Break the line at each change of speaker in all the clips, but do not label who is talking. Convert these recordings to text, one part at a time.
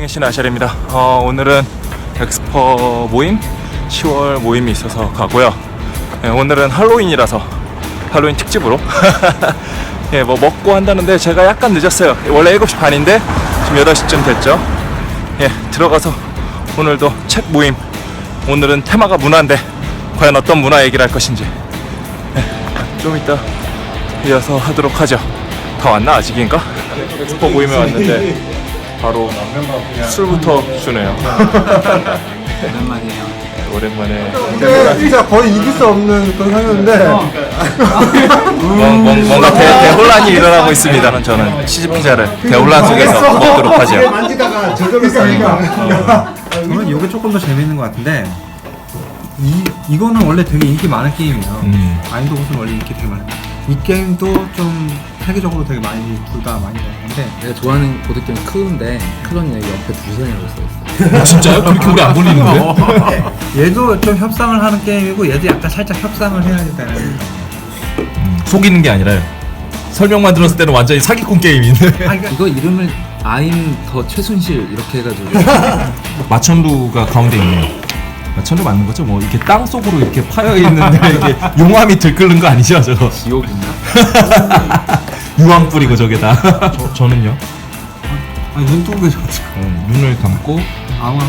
승의 신 아샬입니다. 오늘은 엑스퍼 모임 10월 모임이 있어서 가고요. 오늘은 할로윈이라서 할로윈 특집으로 뭐 먹고 한다는데 제가 약간 늦었어요. 원래 7시 반인데 지금 8시쯤 됐죠. 들어가서 오늘도 책 모임, 오늘은 테마가 문화인데 과연 어떤 문화 얘기를 할 것인지 좀 이따 이어서 하도록 하죠. 다 왔나 아직인가? 엑스퍼 모임에 왔는데 바로 술부터 주네요.
오랜만이에요.
오랜만에
근데 진짜 거의 이길 수 없는 그런 상황인데
뭔가 대혼란이 일어나고 있습니다. 저는 치즈피자를 대혼란 속에서 먹도록 하죠.
만지다가 저절로
저는 이게 조금 더 재밌는 것 같은데 이거는 원래 되게 인기 많은 게임이에요. 마인드 굿은 원래 인기 되게 많아요. 이 게임도 좀 세계적으로 되게 많이 둘 다 많이 나왔는데
내가 좋아하는 보드게임 크루인데 크루는 여기 옆에 두산이라고 써있어.
진짜요? 그렇게 오래 안 걸리는데?
얘도 좀 협상을 하는 게임이고 얘도 약간 살짝 협상을 해야 된다는.
속이는 게 아니라요. 설명만 들었을 때는 완전히 사기꾼 게임인데.
이거 이름을 아임 더 최순실 이렇게 해가지고
마천루가 가운데 있네요. 마천루 맞는 거죠? 뭐 이렇게 땅 속으로 이렇게 파여 있는데 이게 용암이 들끓는 거 아니죠, 저거?
지옥인가?
유황 뿌리고 저게다. 저는요.
눈 뜨고 계셔.
눈을 감고
아무나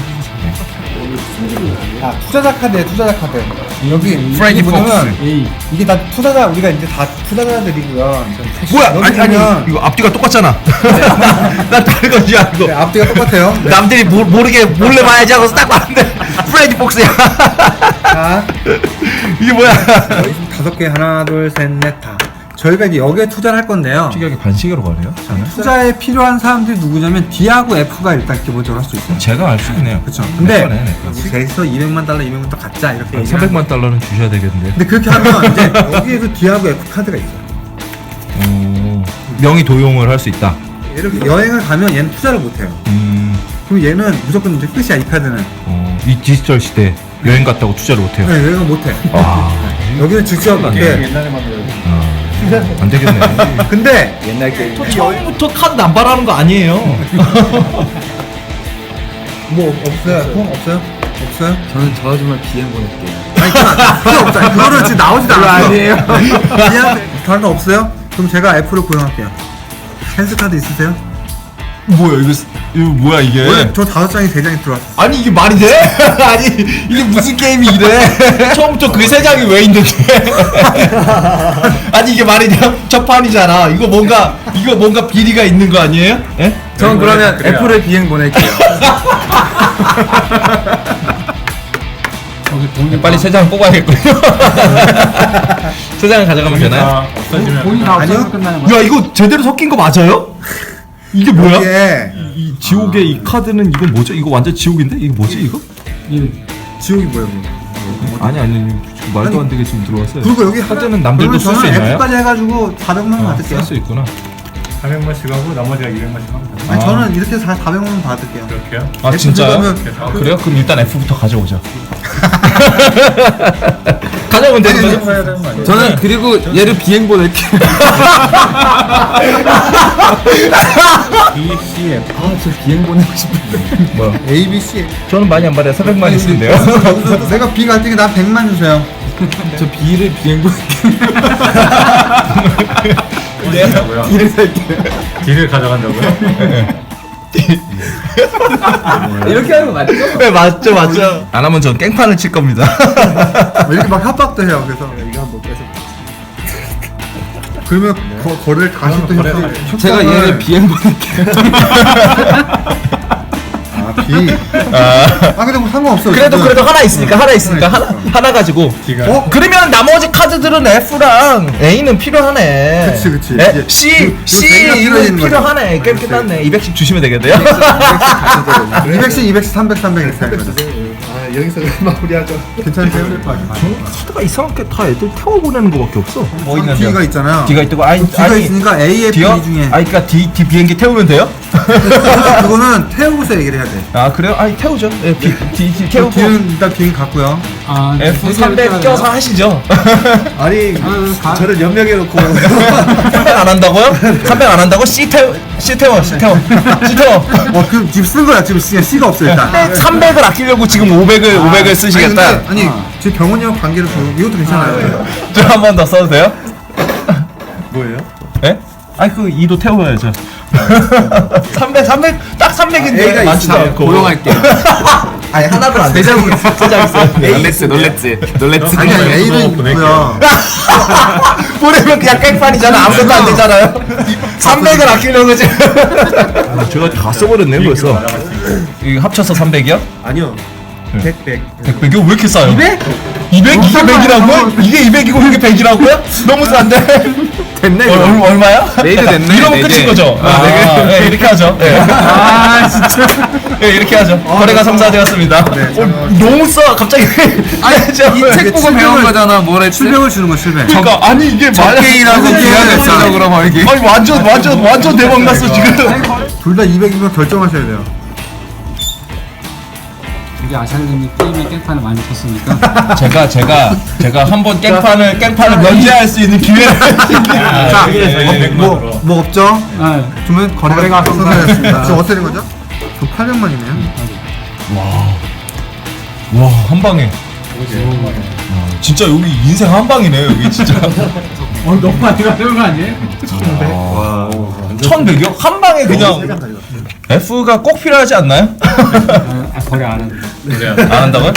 아, 투자자 카드에 투자자 카드 여기
프레디
보면 이게 다 투자자, 우리가 이제 다 투자자들이고요.
뭐야?
여기
아니
보면
이거 앞뒤가 똑같잖아. 난 다른 건지 알고.
네, 앞뒤가 똑같아요. 네.
남들이 모르게 몰래 봐야지 하고서 딱 봤는데 프레디 폭스야.
자,
이게 뭐야?
여기 5개 하나 둘 셋 넷 다. 저희가 이제 여기에 투자를 할 건데요.
특이하게 반시계로 가네요.
투자에 필요한 사람들이 누구냐면 D하고 F가 일단 기본적으로 할 수 있어요.
제가 알 수 있네요.
그렇죠. 근데
네.
셋이서 200만 달러, 200만 달러 갖자 이렇게 얘기를
300만 달러는 주셔야 되겠는데.
근데 그렇게 하면 이제 여기에서 D하고 F 카드가 있어요.
명의 도용을 할 수 있다.
이렇게 여행을 가면 얘는 투자를 못 해요. 그럼 얘는 무조건 이제 끝이야, 이 카드는.
이 디지털 시대 여행 갔다고 투자를 못 해요.
네, 여행을 못 해. 여기는 직접 이렇게.
안 되겠네.
근데
옛날 게임.
처음부터 카드 남발하는 거 아니에요.
뭐 없어요? 통 없어요? 없어요?
저는 저 아줌마 비행 보낼게요.
아니 그거 없어요. 그거는 지금 나오지도 않았어.
아니에요.
그냥 다른 거 없어요? 그럼 제가 F를 고용할게요. 센스 카드 있으세요?
뭐야 이거 뭐야 이게?
원래 저 5장이 3장이 들어왔어.
아니 이게 말이 돼? 아니 이게 무슨 게임이 이래? 처음부터 그 3장이 왜 있는데? 아니 이게 말이 돼요? 첫 판이잖아. 이거 뭔가 비리가 있는 거 아니에요? 예?
전 그러면 F를 비행 보낼게요.
빨리 3장 뽑아야겠군요. 3장을 가져가면 되나요?
아니요?
야 이거 제대로 섞인 거 맞아요? 이게 뭐야?
이게
이 지옥의 이 카드는 이건 뭐죠? 이거 완전 지옥인데? 이거 뭐지 이거?
지옥이 뭐예요?
아니 지금 말도 안 되게 지금 들어왔어요.
그리고 여기
카드는 남들도 쓸 수
저는
있나요?
F까지 해가지고 400만 원 받을게요.
쓸 수 있구나.
400만씩 하고 나머지가 200만씩 하면 돼요.
아니 저는 이렇게 해서 400만 원 받을게요.
그렇게요?
아
F
진짜요?
들어가면
아, 그래요? 그럼 일단 F부터 가져오죠. 가져오면 되는 거죠?
해야 되는 거 아니에요?
저는 그리고 얘를 비행 보낼게요.
BCF.
저 비행 보내고 싶은데.
뭐야?
A, B, C.
저는 많이 안 받아요. 400만 있는데요.
내가 B 갈 때는 나 100만 주세요.
저 B를 비행 보낼게요.
뭐야?
B를 살게요.
D를 가져간다고요?
이렇게 하는 거 맞죠?
네 맞죠. 안 하면 전 깽판을 칠 겁니다.
이렇게 막 협박도 해요. 그래서
이거 한번 빼서.
그러면 거래를 다시 또 협상.
제가 얘를 비행 보낼게요.
아 B. 근데 뭐 상관없어.
그래도 하나 있으니까 하나 가지고.
D가.
그러면 나머지 카드들은 F랑 A는 필요하네.
그치.
예? C
대기가
이거
필요해지는 거죠.
필요하네. 게임 끝났네. 200씩 주시면 되겠네요.
200씩, 200씩, 300, 300 이렇게 하는 거죠.
여기서 마무리하죠.
괜찮으세요?
카드가 이상하게 다 애들 태워 보내는 거밖에 없어. 뭐
D가 있잖아요.
D가 있고 아니
D가 있으니까 A, F,
D요?
E 중에
아니 그러니까 D 비행기 태우면 돼요?
그거는 태우고서 얘기를 해야 돼.
아 그래요? 아니 태우죠. 예, D 태우고
D는 일단 비행기 갔고요.
아,
F300 껴서 하시죠.
아니 저를 연명해놓고
300 안 한다고요? 300 안 한다고? C 태워.
그 지금 쓴 거야. 지금 C가 없어 일단.
300을 아끼려고 지금 500을 쓰시겠다.
아니 지금 병원이 형 관계로 이것도 괜찮아요.
저 한 번 더 써도 돼요?
뭐예요?
예? 아니 그 2도 태워야죠. 300 딱 300인데
A가
많지도
있어요.
않고.
고용할게요.
아니 하나도 안 돼. 세장 있어요.
놀랬지.
아니 A는 있고요.
보내면 그냥 깽판이잖아. 아무것도 안 되잖아요. 300을 아끼려고 지금. 제가 다 써버렸네요 벌써. 이거 합쳐서 300이요?
아니요. 100.
100이요? 왜 이렇게 싸요? 200? 200? 이게 100이라고요? 이게 200이고 이게 100이라고요? 너무 싼데?
됐네.
얼마야?
레이드 됐네.
이러면
레이드.
끝인 거죠? 네, 이렇게 하죠. 네. 진짜. 네, 이렇게 하죠. 거래가 성사되었습니다. 너무 싸, 갑자기. 아니,
이 책 보고 배운 거잖아. 뭘 했지?
700을 주는 거 700.
그러니까, 아니, 이게
적게이라고 기하겠어 그럼 이게.
아니, 완전 대박 났어, 지금.
둘 다 200이면 결정하셔야 돼요.
이게 아샤르님 게임에 깽판을 많이 쳤으니까
제가 한번 깽판을 면제할 수 있는 기회를.
자, 뭐 없죠?
네.
그러면 거래가 성사되었습니다. 지금 어떻게 된 거죠? 저 800만이네요.
와, 한 방에. 진짜 여기 인생 한 방이네, 여기 진짜.
너무 많이 가는 거 아니에요?
1100이요? 한 방에 그냥. F가 꼭 필요하지 않나요?
거래 안 하는데.
안 한다고요?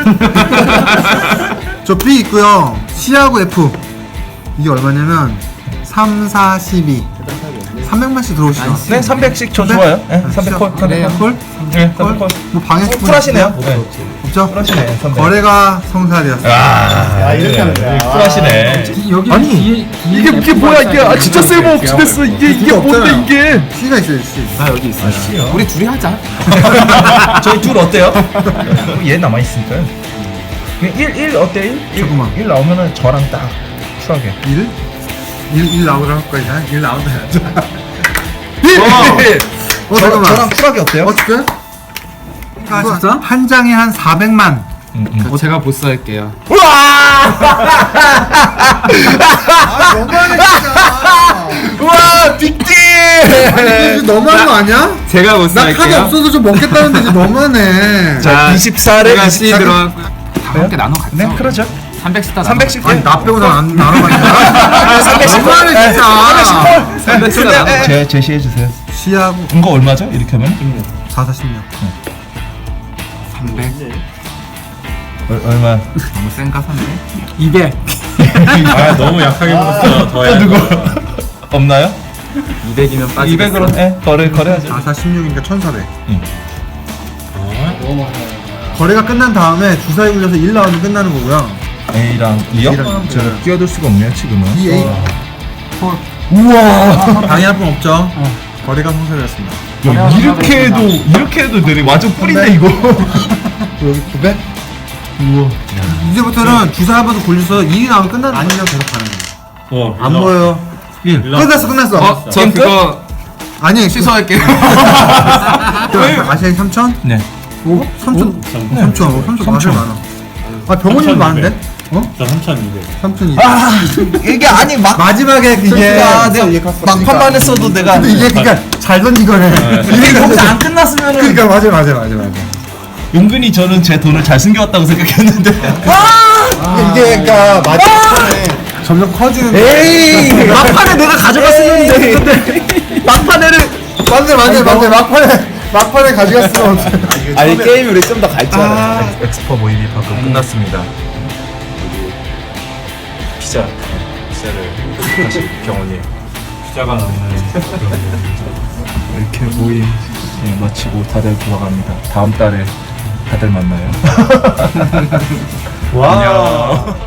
저 B 있고요. C하고 F. 이게 얼마냐면 3, 4, 12. 300만씩 들어오시죠.
네, 300씩 저 좋아요. 네, 300콜. 300콜? 네, 300콜.
뭐 방에
쿨하시네요. 네.
없죠?
쿨하시네, 300.
거래가 성사되었습니다.
아, 이렇게 하면 돼. 쿨하시네.
여기
아니, 이게 뭐야, 이게. 아, 진짜 쓸모없이 됐어. 이게 뭔데, 이게.
C가 있어요, C.
아 여기 있어. 우리 둘이 하자.
저희 둘 어때요? 얘 남아있으니까요. 1 어때? 1?
잠깐만.
1 나오면은 저랑 딱 쿨하게.
1 나오라 할 거야. 1 나온다 해야죠. 잠깐만.
저랑 쿨하게 어때요?
어떻게?
진짜?
한 장에 한 400만.
제가 보스 할게요.
너무하네 진짜.
우와, 빅딜!
이거 너무한 거 아니야?
제가 보스
나 카드 없어서 좀 먹겠다는데 이제 너무하네.
자, 24를
제가 C 들어갔고 다 함께 나눠 갔죠.
네, 그러죠.
300스타
300씩.
아니 나 빼고 안 나눠가니까.
310.
너무하네 진짜.
300스타
제시해주세요.
C하고
이거 얼마죠? 이렇게 하면?
4, 46.
300.
얼마?
너무 센가 300?
200.
아 너무 약하게 먹었어. 더 해야
누구? 없나요?
200이면 빠지.
200으로 거래하죠.
4, 4, 16이니까 1400.
너무 많아.
거래가 끝난 다음에 주사위 굴려서 1 나오면 끝나는 거고요.
A랑 2요?
A랑
제가 끼어들 수가 없네요 지금은.
2, A.
우와.
방해할 분 없죠? 거래가 성사되었습니다.
야, 이렇게 해도 되네. 완전 뿔인데 이거.
여기 900? 우와. 이제부터는 주사위 한번 굴려서 1이 나오면 끝나는 아니면 계속 가는 거예요. 안 보여요. 1. 끝났어.
저 그거
아니,
취소할게요.
아시아이 3천?
네.
오, 3천. 3천. 3천 아시아 많아. 아, 병원이 많은데? 어?
저 3,200.
3,200.
아 이게 아니 막
마지막에 이게
내가 막판만 했어도 내가
근데 이게 그니까 잘 던진 거네.
이게 거기서 안 끝났으면은
그러니까 맞아.
은근히 저는 제 돈을 잘 숨겨왔다고 생각했는데
이게 그러니까 마지막에 점점 커지는.
에이 막판에 내가 가져갔었는데 막판에를
맞네. 막판에 가져갔으면 어떡해.
아니 게임이 우리 좀 더 갈줄 엑스퍼 모임이 방금 끝났습니다. 피자를 다시 병원이
피자가 나오는
이렇게 모임 마치고 다들 돌아갑니다. 다음 달에 다들 만나요.
와.